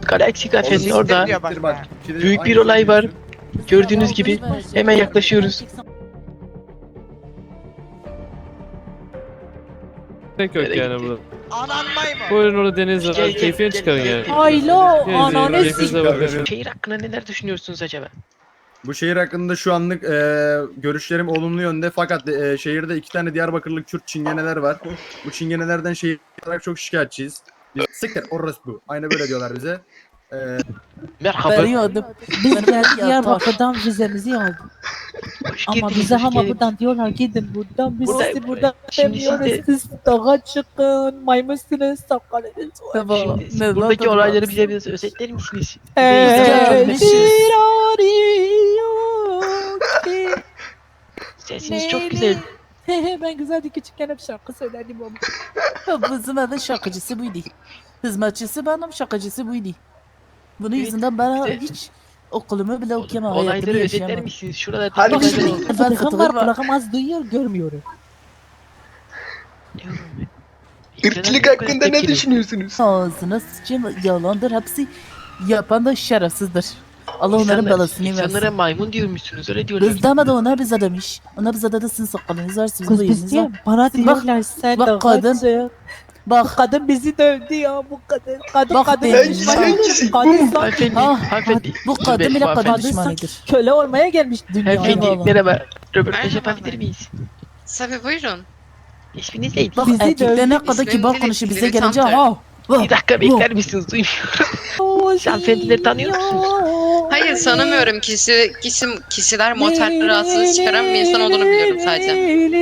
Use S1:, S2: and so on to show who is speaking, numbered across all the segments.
S1: Galaxy Cafe'nin orada
S2: diyor bak.
S1: büyük bir olay var. Gördüğünüz gibi hemen yaklaşıyoruz.
S3: Tek yok yani burada.
S2: Anan maymun.
S3: Buyurun orada deniz var.
S1: Gel, gel,
S3: Keyfini
S1: gel,
S3: çıkarın
S1: gel,
S3: yani.
S1: gel.
S4: Aylo
S3: Gezin,
S4: ananı
S3: keyfinize bakın.
S1: Şehir hakkında neler düşünüyorsunuz acaba?
S5: Bu şehir hakkında şu anlık görüşlerim olumlu yönde fakat şehirde 2 tane Diyarbakırlık Kürt çingeneler var. Bu çingenelerden şehir olarak çok şikayetçiyiz. Biz siktir orospu. Aynı böyle diyorlar bize.
S1: Merhaba.
S4: veriyordum. Biz Diyarbakır'dan vizemizi aldık.
S1: Hoş
S4: Ama
S1: geldiniz,
S4: bize
S1: hoş
S4: ama
S1: geldiniz.
S4: buradan diyorlar gidin buradan. Biz
S1: Burada-
S4: sizi buradan
S1: şimdi siz
S4: demiyoruz.
S1: de-
S4: Siz dağa çıkın. Maymunsunuz. Sakalınız var.
S1: Şimdi siz buradaki olayları bize biraz özetler misiniz?
S4: Gelmişiz.
S1: Sesiniz çok güzel.
S4: Ben güzeldi küçükken hep şarkı söylerdim ama.
S6: Bizim evin şakacısı buydu. Hizmetçisi benim, şakacısı buydu. Bunun yüzünden ben
S1: bize-
S6: hiç okulumu bile okuyamam, hayatımı
S1: Olayları özetler
S6: yaşayamam.
S1: misiniz? Şurada
S4: Hadi
S1: olaylar
S4: şimdi
S1: oldu.
S4: kulağım var kulağım az duyuyor görmüyorum.
S1: Irkçılık hakkında ne düşünüyorsunuz?
S6: Ağzına sıçayım, yalandır hepsi. Yapan da şerefsizdir. Allah onların belasını
S1: İnsanlara
S6: versin.
S1: maymun diyormuşsunuz öyle diyorlar.
S6: Biz demedi, onlar bize demiş. Onlar bize dedi sizin sakalınız var, sizin
S4: Kız
S6: bıyığınız
S4: biz
S6: var.
S4: diye bana diyorlar sen
S6: bak
S4: dağa
S6: kadın-
S4: çık.
S6: Bak,
S4: Kadın bizi dövdü ya bu kadın. Kadın
S6: Bak
S4: kadın
S6: benim-
S4: düşmanı. Kadın sanki
S1: Hanımefendi,
S6: Ah,
S1: hanımefendi.
S6: bu kadın bile kadın
S1: Hanımefendi,
S6: düşmanıdır.
S4: köle olmaya gelmiş dünyaya.
S1: Hanımefendi
S6: Eyvallah.
S1: merhaba. Röportaj
S7: Merhaba.
S1: yapabilir miyiz?
S7: Tabii buyurun.
S1: İsminiz neydi?
S6: Bak
S4: Bizi
S6: erkekler ne
S4: dövdü,
S6: kadar
S7: ismim
S6: kibar
S7: Lili-
S6: konuşuyor, bize
S7: Lili
S6: gelince
S7: Tanter.
S6: ha.
S1: Bir dakika bekler misiniz? Duymuyorum. Siz hanımefendileri tanıyor musunuz?
S7: Hayır tanımıyorum kişiler motel rahatsızlığı çıkaran bir insan olduğunu biliyorum sadece.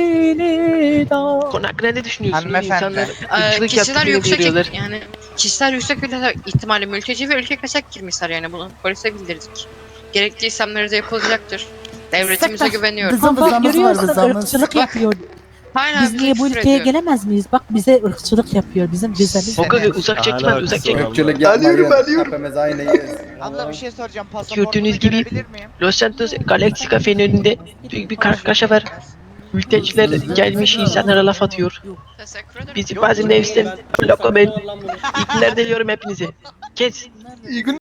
S1: Konu hakkında ne düşünüyorsunuz?
S2: Hanımefendi.
S1: İnsanlar ırkçılık
S7: Kişiler
S1: yaptığını
S7: yüksek
S1: görüyorlar.
S7: yani kişiler yüksek ihtimalle mülteci ve ülke kaçak girmişler yani bunu polise bildirdik. Gerekli işlemleri de yapılacaktır. Devletimize
S6: Saklar.
S7: güveniyorum.
S6: Bizim
S4: Bak
S6: vızamız var,
S4: görüyorsun
S6: vızamız.
S4: ırkçılık yapıyor.
S7: Hala
S4: Biz niye bu
S7: küfür
S4: ülkeye
S7: ediyor.
S4: gelemez miyiz? Bak bize ırkçılık yapıyor. Bizim vizemiz
S1: O
S4: var.
S1: kadar uzak çekme, uzak çekme.
S5: Irkçılık yapmayın. Hepimiz aynıyız.
S2: Abla bir şey soracağım. Pasaportumu
S1: Gördüğünüz gibi
S2: görebilir miyim?
S1: Los Santos Galaxy Cafe'nin önünde büyük bir kargaşa var. Mülteciler gelmiş insanlara laf atıyor.
S7: Teşekkür ederim.
S1: Bizi bazı nefisten lokomen. İpler deliyorum hepinize. Kes.